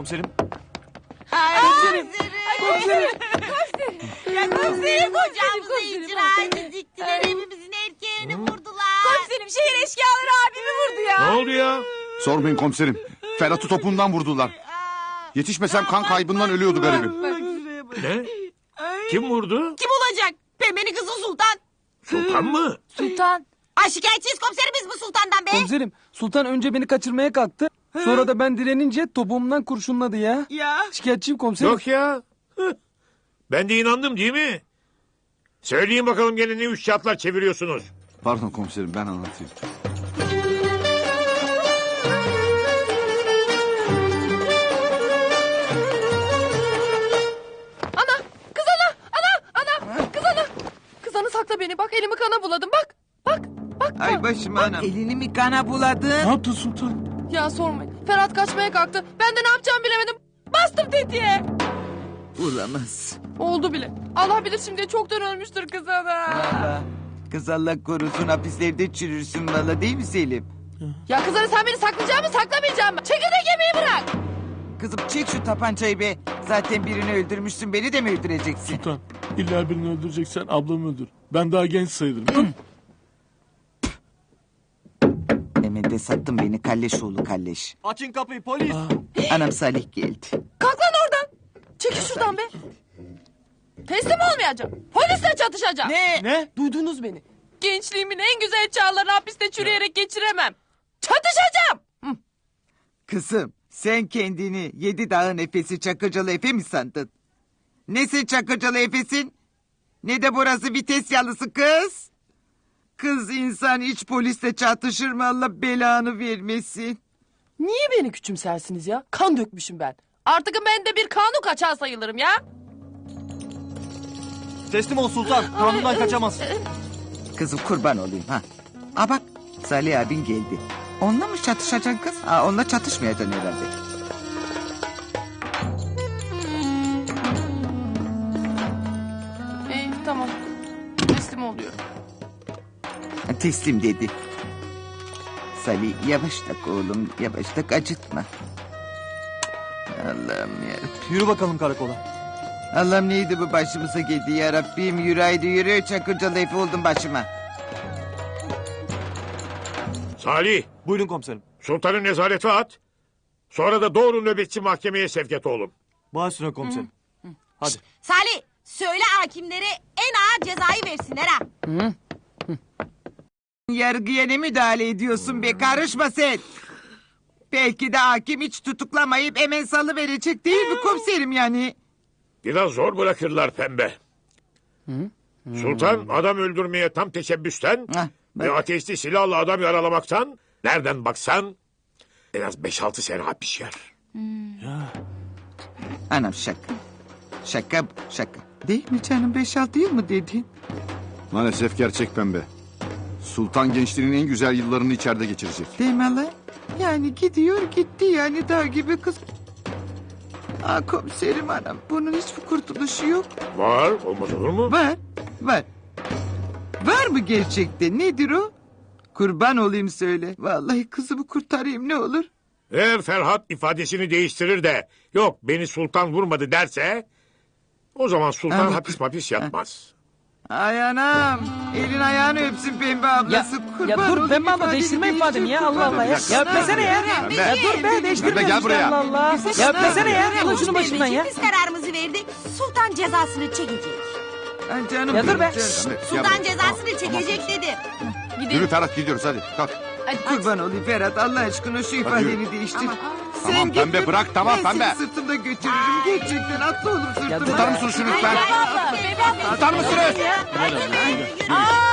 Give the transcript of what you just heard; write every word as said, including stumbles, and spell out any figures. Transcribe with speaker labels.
Speaker 1: komiserim.
Speaker 2: Komiserim. Komiserim.
Speaker 3: Ya komiserim kocamızı
Speaker 2: komiserim,
Speaker 3: icraatı diktiler. Evimizin erkeğini vurdular.
Speaker 2: Komiserim şehir eşkıyaları abimi vurdu ya.
Speaker 4: Ne oldu ya?
Speaker 5: Sormayın komiserim. Ferhat'ı topuğundan vurdular. Yetişmesem kan kaybından ölüyordu garibim.
Speaker 4: Ne? Kim vurdu?
Speaker 3: Kim olacak? Pembenin kızı Sultan.
Speaker 4: Sultan mı?
Speaker 2: Sultan.
Speaker 3: Ay şikayetçiyiz komiserimiz bu Sultan'dan be.
Speaker 2: Komiserim Sultan önce beni kaçırmaya kalktı. Sonra da ben direnince topuğumdan kurşunladı ya.
Speaker 3: Ya.
Speaker 2: Şikayetçiyim komiserim.
Speaker 4: Yok ya. Hıh. Ben de inandım değil mi? Söyleyin bakalım gene ne üç kağıtlar çeviriyorsunuz?
Speaker 5: Pardon komiserim ben anlatayım.
Speaker 6: Ana! Kız ana! Ana! Ana! Kız ana! Kız ana sakla beni bak elimi kana buladım bak! Bak! Bak!
Speaker 7: Ay başım anam. Elini mi kana buladın?
Speaker 2: Ne yaptın Sultan?
Speaker 6: Ya sormayın. Ferhat kaçmaya kalktı. Ben de ne yapacağımı bilemedim. Bastım tetiğe.
Speaker 7: Olamaz.
Speaker 6: Oldu bile. Allah bilir şimdi çoktan ölmüştür kız ana.
Speaker 7: Valla. Kız Allah korusun hapislerde çürürsün valla değil mi Selim?
Speaker 6: Ya kız ana sen beni saklayacak mı saklamayacak mı? Çekirdek yemeği bırak.
Speaker 7: Kızım çek şu tapancayı be. Zaten birini öldürmüşsün beni de mi öldüreceksin?
Speaker 8: Sultan, illa birini öldüreceksen ablamı öldür. Ben daha genç sayılırım.
Speaker 7: Hemen de sattın beni kalleş oğlu kalleş.
Speaker 1: Açın kapıyı polis.
Speaker 7: Anam Salih geldi.
Speaker 6: Kalk lan oradan. Çekil şuradan be. Teslim olmayacağım. Polisle çatışacağım.
Speaker 7: Ne?
Speaker 2: Ne?
Speaker 6: Duydunuz beni. Gençliğimin en güzel çağlarını hapiste çürüyerek geçiremem. Çatışacağım.
Speaker 7: Kızım sen kendini yedi dağın efesi Çakırcalı Efe mi sandın? Ne sen Çakırcalı Efe'sin? Ne de burası vites yalısı kız. Kız insan hiç polisle çatışır mı Allah belanı vermesin.
Speaker 6: Niye beni küçümsersiniz ya? Kan dökmüşüm ben. Artık ben de bir kanun kaçağı sayılırım ya.
Speaker 1: Teslim ol Sultan. Kanundan kaçamaz.
Speaker 7: Kızım kurban olayım ha. Aa bak Salih abin geldi. Onunla mı çatışacaksın kız? Aa, onunla çatışmayacaksın herhalde.
Speaker 6: İyi tamam. Teslim oluyorum.
Speaker 7: Ha, teslim dedi. Salih yavaş tak oğlum yavaş tak acıtma. Allah'ım ya.
Speaker 1: Yürü bakalım karakola.
Speaker 7: Allah'ım neydi bu başımıza geldi ya Rabbim yürü haydi yürü Çakırcalı Efe oldum başıma.
Speaker 4: Salih,
Speaker 1: Buyurun komiserim.
Speaker 4: Sultan'ı nezarete at. Sonra da doğru nöbetçi mahkemeye sevk et oğlum.
Speaker 1: Baş üstüne komiserim. Hadi.
Speaker 3: Salih söyle hakimlere en ağır cezayı versinler ha.
Speaker 7: Yargıya ne müdahale ediyorsun be karışma sen. Belki de hakim hiç tutuklamayıp hemen salıverecek değil mi komiserim yani?
Speaker 4: Biraz zor bırakırlar pembe. Sultan adam öldürmeye tam teşebbüsten
Speaker 7: Hah,
Speaker 4: ve
Speaker 7: bak.
Speaker 4: ateşli silahla adam yaralamaktan nereden baksan en az beş altı sene hapis yer.
Speaker 7: Anam şaka. Şaka bu, şaka. Değil mi canım beş altı yıl mı dedin?
Speaker 5: Maalesef gerçek pembe. Sultan gençliğinin en güzel yıllarını içeride geçirecek.
Speaker 7: Değil mi Allah? Yani gidiyor gitti yani dağ gibi kız. Aa komiserim anam bunun hiçbir kurtuluşu yok.
Speaker 4: Var, olmaz olur mu?
Speaker 7: Var var. Var mı gerçekten nedir o? Kurban olayım söyle. Vallahi kızımı kurtarayım ne olur.
Speaker 4: Eğer Ferhat ifadesini değiştirir de yok beni Sultan vurmadı derse o zaman Sultan
Speaker 7: Ama-
Speaker 4: hapis hapis yatmaz.
Speaker 7: Ay anam. Elin ayağını öpsün pembe ablası.
Speaker 2: Ya,
Speaker 7: Kurban
Speaker 2: ya dur
Speaker 7: olayım,
Speaker 2: Pembe abla
Speaker 7: ifadeni
Speaker 2: değiştirme ifademi ya
Speaker 7: değiştir,
Speaker 2: Allah
Speaker 7: kurban
Speaker 2: Allah ya.
Speaker 7: olayım.
Speaker 2: Ya öpmesene ya.
Speaker 5: Pembe.
Speaker 2: Ya dur be değiştirme
Speaker 5: Pembe, gel
Speaker 2: işte
Speaker 5: buraya.
Speaker 2: Allah Allah. Ya öpmesene ya. Alın şunu başımdan ya.
Speaker 3: Biz kararımızı verdik. Sultan cezasını çekecek.
Speaker 7: Ay canım
Speaker 2: Ya dur
Speaker 7: benim,
Speaker 2: be.
Speaker 7: canım.
Speaker 5: Pembe, gel
Speaker 3: Sultan
Speaker 5: buraya.
Speaker 3: cezasını çekecek dedim.
Speaker 5: Yürü Ferhat gidiyoruz hadi kalk.
Speaker 7: Kurban olayım Ferhat Allah aşkına şu ifadeni değiştir.
Speaker 5: Tamam,
Speaker 7: git
Speaker 5: pembe,
Speaker 7: de
Speaker 5: bırak, tamam,
Speaker 7: ben
Speaker 5: pembe.
Speaker 7: seni sırtımda götürürüm gerçekten atla oğlum sırtıma.
Speaker 5: Tutar mısın şunu lütfen? Tutar mısınız?
Speaker 3: Aa,